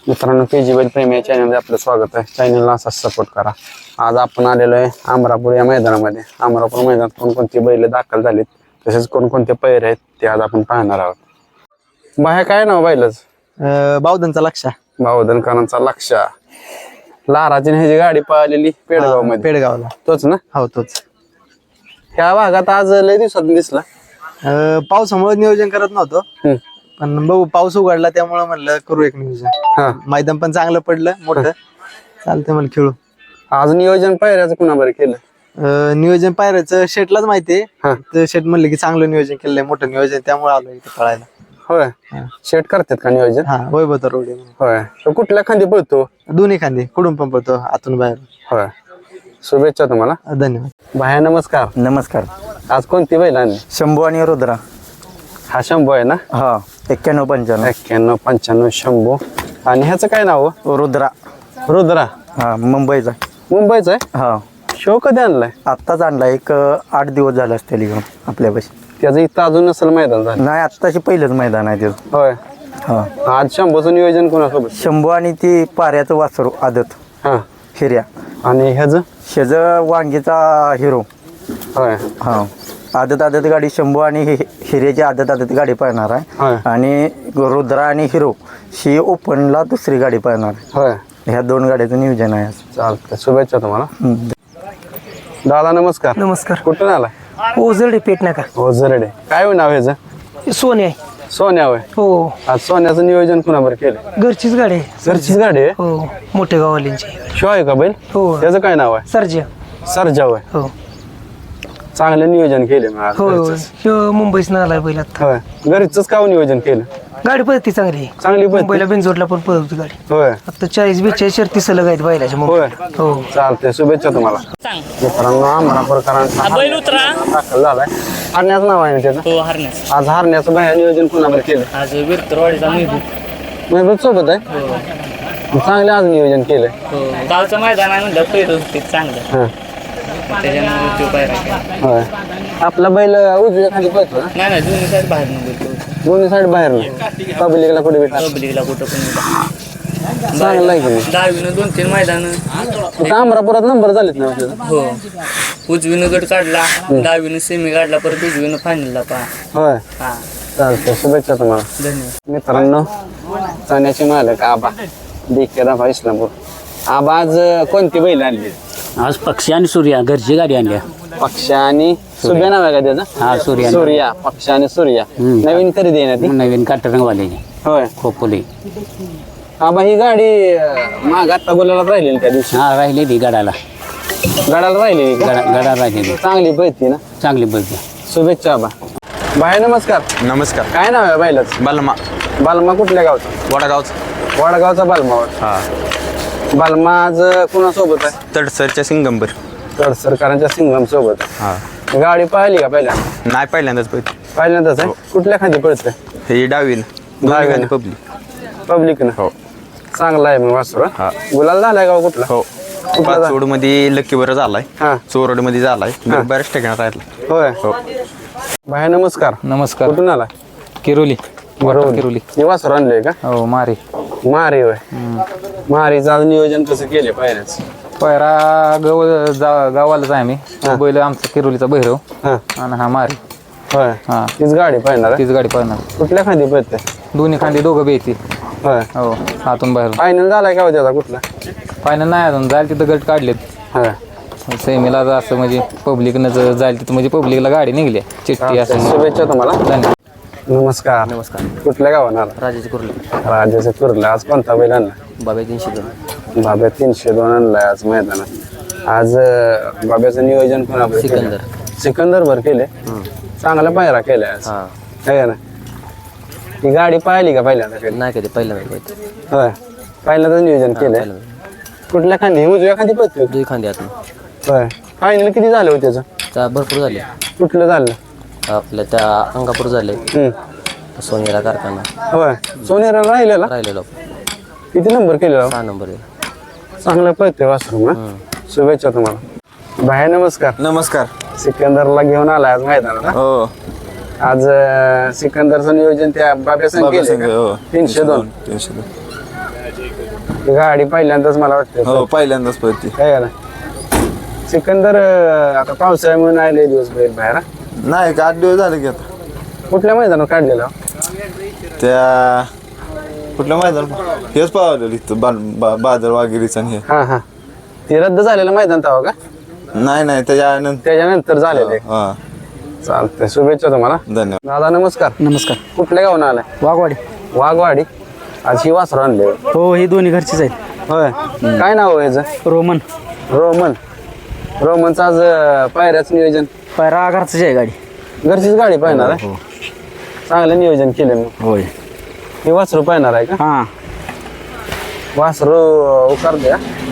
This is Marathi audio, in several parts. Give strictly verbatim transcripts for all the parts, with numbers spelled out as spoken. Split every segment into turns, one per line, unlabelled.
मित्रांनो के जी बैल प्रेमी या चॅनलमध्ये आपलं स्वागत आहे. चॅनलला असाच सपोर्ट करा. आज आपण आलेलो आहे अमरापूर या मैदानामध्ये. अमरापूर मैदानात कोणकोणती बैल दाखल झालीत तसेच कोणकोणते पैर आहेत ते आज आपण पाहणार आहोत. बाहेर काय नाव बैलच?
बावधनचा लक्ष
बावधनकरांचा लक्ष. लाराची ह्याची गाडी पळालेली पेडगाव मध्ये.
पेडगावला
तोच ना?
हो तोच.
ह्या भागात आज लय दिवसात दिसला.
अं, पावसामुळे नियोजन करत नव्हतो
हम्म.
पण बघू पाऊस उघडला त्यामुळे म्हणलं करू एक नियोजन.
हा
मैदान पण चांगलं पडलं मोठं. चालतंय मला खेळू.
आज नियोजन पायऱ्याचं कुणा बरं केलं?
अं, नियोजन पायऱ्याचं शेटलाच माहितीये.
हा.
तर शेट म्हणलं की चांगलं नियोजन केलंय मोठं नियोजन त्यामुळे आलो इथे पळायला.
होय. शेट करतात का नियोजन?
हा वैभव रोड
होय. तो कुठल्या खांदी पळतो?
दोन्ही खांदे कुठून पण पळतो आतून बाहेर.
होय. शुभेच्छा तुम्हाला.
धन्यवाद.
भाया नमस्कार.
नमस्कार.
आज कोणती बैल आणली?
शंभू आणि रुद्रा.
हा शंभू आहे ना?
हा एक्क्याण्णव पंच्याण्णव.
एक्क्याण्णव पंच्याण्णव शंभू. आणि ह्याचं काय नाव?
रुद्रा.
रुद्रा.
हा मुंबईचा.
मुंबईचा आहे.
हा
शो कधी आणलाय?
आत्ताच आणला एक अं, आठ दिवस झाला असतील घेऊन आपल्यापाशी.
त्याचं इथं अजून नसेल मैदान झालं.
नाही आत्ताशी पहिलंच मैदान आहे त्याचं.
होय.
हा
आज शंभूचं नियोजन कोणासोबत?
शंभू आणि ती पाऱ्याचं वासरू आदत
हा.
हिर्या.
आणि ह्याचं?
शेज वांगीचा हिरो.
होय.
हा आदत आदत गाडी शंभू आणि हि- हिऱ्याची आदत आदत गाडी पळणार आहे.
होय.
आणि रुद्रा आणि हिरो ही ओपनला दुसरी गाडी पळणार आहे.
होय.
ह्या दोन गाड्याचं नियोजन आहे आज.
चालतंय. शुभेच्छा तुम्हाला.
हम्म.
दादा नमस्कार.
नमस्कार.
कुठून आलाय?
ओझरडे पेट नका
हो जरडे. काय होय नाव ह्याचं?
सोने आहे.
सोन्या होय.
हो
आज सोन्याचं नियोजन कुणाबर केलं?
घरचीच गाडी आहे.
घरचीच गाडी आहे.
हो मोठ्या गावाल्यांची.
शो आहे का बैल?
हो
त्याचं काय नाव आहे?
सरजा.
सरजा होय.
हो
चांगलं नियोजन केले मग आज
हो
घरचंच.
ह्यो मुंबईच आलाय बैल आता.
होय. घरचंच का नियोजन केलं?
गाडी पळती चांगली आहे.
चांगली पळते?
मुंबईला बेंजोडला पण पळवती गाडी.
होय.
आता चाळीस बेचाळीस शर्ती सलग आहेत बैलाच्या
होय.
मुंबईला. हो
चालतंय. शुभेच्छा तुम्हाला. मित्रांनो अमरापूरकरांचा
बैल उतरा.
दाखल झालाय. हरण्याचं नाव आहे ना त्याचं?
हो हरण्यास.
आज हरण्याचं बाहेर नियोजन कुणाबर केलं?
आज विरतरवाडीचा महबूब.
महबूब सोबत आहे. चांगलं आज नियोजन केलंय.
हो गावचं मैदान आहे म्हणलं पहिलं ते चांगलं.
हा.
त्याच्यामुळे तो पायरा केला.
होय. आपला बैल उजव्या खाली पळतो ना?
नाही नाही दोन्ही साईड बाहेर निघतो.
दोन्ही साईड बाहेर ना पब्लिकला कुठे भेटणार?
पब्लिकला कुठं पण
चांगलं आहे की
दहावीनं दोन तीन मैदान.
नाही? अमरापुरात नंबर झालेत ना आपल्याला?
हो उजवीनं गट काढला. दहावीनं सेमी काढला परत उजवीनं फायनलला पहा.
होय.
हा
चालतंय. शुभेच्छा तुम्हाला.
धन्यवाद.
मित्रांनो चण्याची मालक आबा देखे राबा इस्लामपूर. आबा आज कोणती बैल आणली?
आज पक्षी आणि सूर्या घरची गाडी आणल्या.
पक्ष आणि सूर्या नाव आहे का त्याचं?
हा सूर्या
सूर्या. पक्ष आणि सूर्या नवीन खरेदी आहे ना ती?
नवीन काटरंगवाल्याची
होय.
खोपोली.
आबा ही गाडी माग आता बोलायला राहिलेली त्या दिवशी
हा राहिलेली गडाला.
गडाला राहिलेली का?
गडा गडा राहिलेली
चांगली पळती ना?
चांगली बघ.
शुभेच्छा आबा. बाय नमस्कार.
नमस्कार.
काय नाव आहे बैलाच?
बालमा.
बालमा कुठल्या गावचा?
वडागावचं.
वडगावचा बालमा.
हा
बालमा आज कुणासोबत आहे?
तडसरच्या सिंगंबर.
सरकारांच्या सिंगम सोबत.
हा
गाडी पाहिली का पहिल्यांदा?
नाही पहिल्यांदाच पळते.
पहिल्यांदाच आहे. कुठल्या खाली पडतंय?
हे डावीन
डावीनं.
पब्लिक.
पब्लिक ना?
हो
चांगला आहे मग वासरू.
हा.
गुलाल झालाय गाव कुठला?
हो
कुठला झाला?
पाचवड मध्ये लक्कीवर झालाय.
हा.
चोरड मध्ये झालाय.
हा.
बऱ्याच ठिकाणी राहिला.
होय.
हो
भाई नमस्कार.
नमस्कार.
कुठून आला?
किरोली.
बरोबर.
किरोली.
हे वासरू आणलंय का?
हो मारे.
मारी होय. मारीचं आज नियोजन कसं केले पायऱ्याच?
पैरा गव जा- गावालाच आहे आम्ही. बैल आमचा किरोलीचा भैरव
हा.
आणि हा मारे.
होय.
हा
तीच गाडी पाहिणार आहे?
तीच गाडी पळणार.
कुठल्या खांदी पळते?
दोन्ही खांदी दोघं बी येतील.
होय.
हो आतून बाहेर.
फायनल झालाय का हो त्याचा कुठला?
फायनल नाही अजून जाईल तिथं गट काढलेत.
होय.
सेमीला असं म्हणजे पब्लिकनं जर जाईल तिथं म्हणजे पब्लिकला गाडी निघली चिठ्ठी असं.
शुभेच्छा तुम्हाला.
धन्यवाद.
नमस्कार.
नमस्कार.
कुठल्या गावाला आला?
राजाची कुर्ली.
राजाचे कुर्ला. आज कोणता बैल आणला?
बाबा तीनशे दोन.
बाब्या तीनशे दोन आणलाय आज मैदानात. आज अं, बाब्याचं नियोजन कोणावर केलं?
सिकंदर.
सिकंदर भर केले. चांगला पायरा केलाय आज.
हा
है ना? ही गाडी पाहिली का पहिल्यांदा कधी?
नाही कधी पहिल्यांदा पळते.
होय. पहिल्यांदाच नियोजन केलंय. कुठल्या खांदी? उजव्या खांदी पळतोय?
दुई खांदी आत
होय. फायनल किती झालं होतं त्याचं?
भरपूर झाले.
कुठलं झालं?
आपल्या त्या अंगापूर झाले.
हम्म.
सोनेरा कारखाना
होय. सोनेरा राहिलेला
राहिलेलो.
किती नंबर केलेला?
सहा नंबर.
चांगलं पळतोय वासरू ना? शुभेच्छा तुम्हाला. भाई नमस्कार.
नमस्कार.
सिकंदरला घेऊन आलाय आज मैदानात.
हो
आज अं, सिकंदरचं नियोजन त्या बाब्या संघ केलंय का?
हो.
तीनशे दोन.
तीनशे दोन.
ही गाडी पहिल्यांदाच मला वाटतं
हो पहिल्यांदाच पळते.
काय का ना सिकंदर अं, आता पावसाळ्यामुळे नाही लय दिवस बैल बाहेर हा?
नाही का आठ दिवस झाले की आता
कुठल्या मैदानात काढलेलं
त्या कुठल्या मैदान हेच पावलेलं इथं बा- बा- बादल वगैरेचं आणि हे
हा हा ते रद्द झालेलं मैदान तवा का
नाही नाही त्याच्यानंतर
त्याच्यानंतर झालेलं आहे
हा
चालतंय शुभेच्छा तुम्हाला
धन्यवाद.
दादा नमस्कार
नमस्कार
कुठल्या गावून आलाय
वाघवाडी
वाघवाडी आज ही वासर आणले
हो ही दोन्ही घरचीच आहेत.
होय काय नाव आहे याचं
रोमन
रोमन रोमनचं आज अं, पायऱ्याचं नियोजन
पायरा घरचीच आहे गाडी.
घरचीच गाडी पाहणार आहे चांगलं नियोजन केलं मग
होय
ही वासरू पाहणार आहे का
हां
वासरू उकार द्या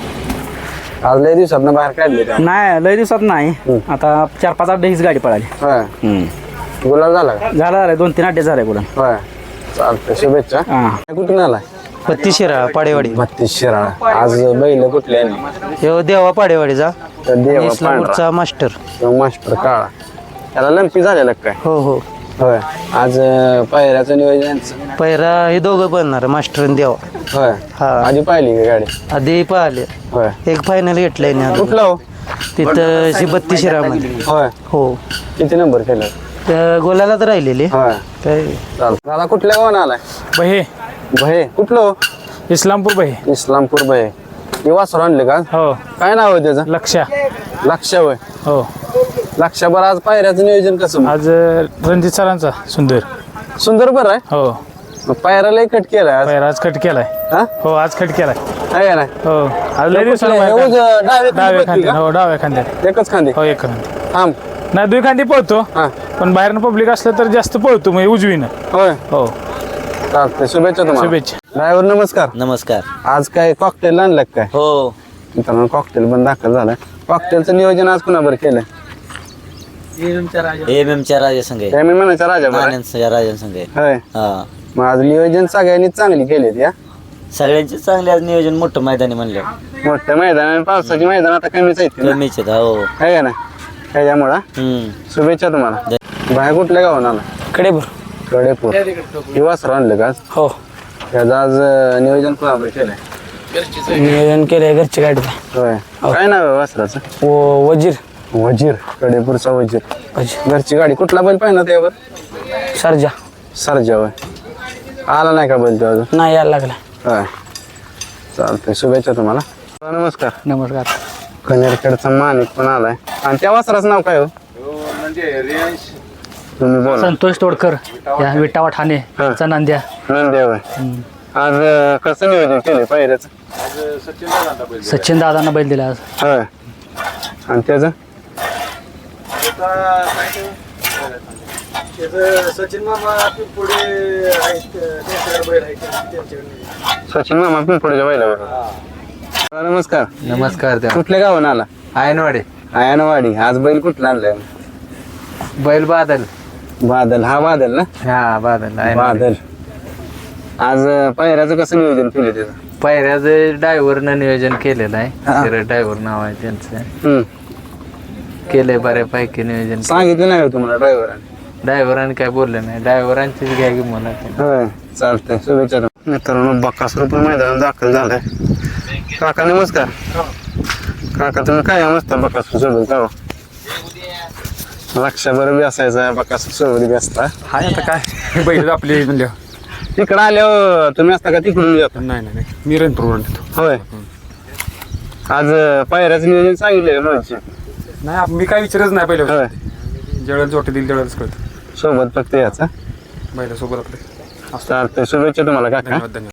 आज लय दिवसात बाहेर काढले त्या
नाही लय दिवसात नाही आता चार पाच आठ हीच गाडी पळाली.
होय गुलाल झाला का
झाला झालं दोन तीन अड्डे झाले बोला.
होय चालतंय शुभेच्छा
हां
कुठून आलाय
बत्तीस शिरा पाडेवाडी.
बत्तीस शिराळा आज बैल कुठले आहे?
हे देवा पाडेवाडीचा
तर देवा
इस्लामपूरचा मास्टर.
पांढरा मास्टर काळा त्याला लंपी झालेला काय
हो हो
होय आज अं, पायऱ्याचं नियोजन
पैरा हे दोघं बनणार मास्टर आणि देवा.
होय
हा
आधी पाहिली का गाडी
आधी पाहिले
होय
एक फायनल घेतलंय ना
कुठला हो
तिथं शी बत्तीस शिरामध्ये.
होय
हो
किती नंबर केलं
त्या गोलाला तर राहिलेले
होय
काय
चालतं दादा कुठल्या गावानं आलाय
बहे
भये कुठलं हो?
इस्लामपूर बहे
इस्लामपूर भये हे वासर आणले का
हो
काय नाव आहे त्याचं
लक्षा
लक्ष होय
हो
लक्षाभर आज पायऱ्याचं नियोजन कसं मग?
आज रणजित सरांचा सुंदर
सुंदर बरं आहे
हो
मग पायऱ्याला कट केलाय आज
पैर आज कट केलाय
हा
हो आज कट केलाय
आहे का नाही
हो आज लय दिवसाला
कुठलं?
बाहेर
हे उजं डावे
काढ- डाव्या
खांदी
खांद्यात
का?
हो डाव्या खांद्यात
एकच खांदी
हो एक खांदी
थांब
नाही दुई खांदी पळतो
हा
पण बाहेरनं पब्लिक असलं तर जास्त पळतो म्हणजे उजवीनं
होय
हो
चालतंय शुभेच्छा तुम्हाला
शुभेच्छा
ड्रायव्हर नमस्कार
नमस्कार.
आज काय कॉकटेल आणलं का काय
हो
मित्रांनो कॉकटेल पण दाखल झालाय कॉकटेलचं नियोजन आज कुणाबर केलंय
एम एमच्या राजा संघ आहे.
हे मी म्हणायचं राजा बरं
आनंदच्या राजा संघ आहे.
होय
हा
मग आज नियोजन सगळ्यांनी चांगली केली या
सगळ्यांचे चांगले आज नियोजन मोठं मैदानी म्हणलं
मोठ्या मैदान आणि पावसाची मैदान आता कमीच आहेत ना
कमीच आहेत, हो
आहे का ना त्याच्यामुळं
हम्म
शुभेच्छा तुम्हाला बाहेर कुठल्या गावून आला
कडेपूर
कडेपूर ही वासर आणलं का आज?
हो
त्याचं आज अं, नियोजन कुणाबर केलंय
नियोजन केलंय घरची गाडी
होय काय नाव आहे वासराचं
व वजीर
वजीर कडेपूरचा वजीर
वजीर
घरची गाडी कुठला बैल पाहिजे त्यावर
सरजा
सरजा होय आला नाही का बैल तो अजून
नाही यायला लागला.
होय चालतंय शुभेच्छा तुम्हाला नमस्कार
नमस्कार.
कनेरखेडचा माणिक पण आलाय आणि त्या वासराचं नाव काय हो तुम्ही बोला
संतोष तोडकर या विटावा ठाणे
हा.
चा नांद्या
नंदेव आहे आज अं, कसं नियोजन केलंय पायऱ्याचं
सचिन दादांना बैल दिला आज
होय आणि त्याचं
सचिन मामा पुढे
सचिन मामा पिंपळच्या बैलावर नमस्कार
नमस्कार त्या
कुठल्या गावानं आला
आयनवाडे
आयनवाडी आज बैल कुठला आणलाय
बैल बादल
बादल हा बादल ना
हा बादल
बादल आज अं, पायऱ्याचं कसं नियोजन केलं त्याचं
पायऱ्याचं ड्रायव्हरनं नियोजन केलेलं आहे ड्रायव्हर नाव आहे त्यांचं
हम्म.
केलंय बऱ्यापैकी नियोजन
सांगितलं नाही हो तुम्हाला ड्रायव्हराने
ड्रायव्हरांनी काय बोललं नाही ड्रायव्हरांचीच घ्या की मला
होय चालतंय शुभेच्छा तुम्हाला. मित्रांनो बक्कासूर पण मैदानात दाखल झालाय काका नमस्कार काका तुम्ही काय मस्त बक्कासूर सोबत का लक्षाभर बी असायचा बक्कासूर सोबत बी असता
हाय आता काय बैल आपली म्हणल्या
तिकडं आल्यावर तुम्ही असता का तिकडून येतो
नाही नाही मी रणपूर
होय आज अं, पायऱ्याचं नियोजन सांगितलं म्हणजे
नाही मी काय विचारच नाही पहिलं
होय
ज्यावेळेला जोटे दिली त्यावेळेलाच कळतं
सोबत फक्त याचा
बैलासोबत आपले
चालतंय शुभेच्छा तुम्हाला काका
धन्यवाद धन्यवाद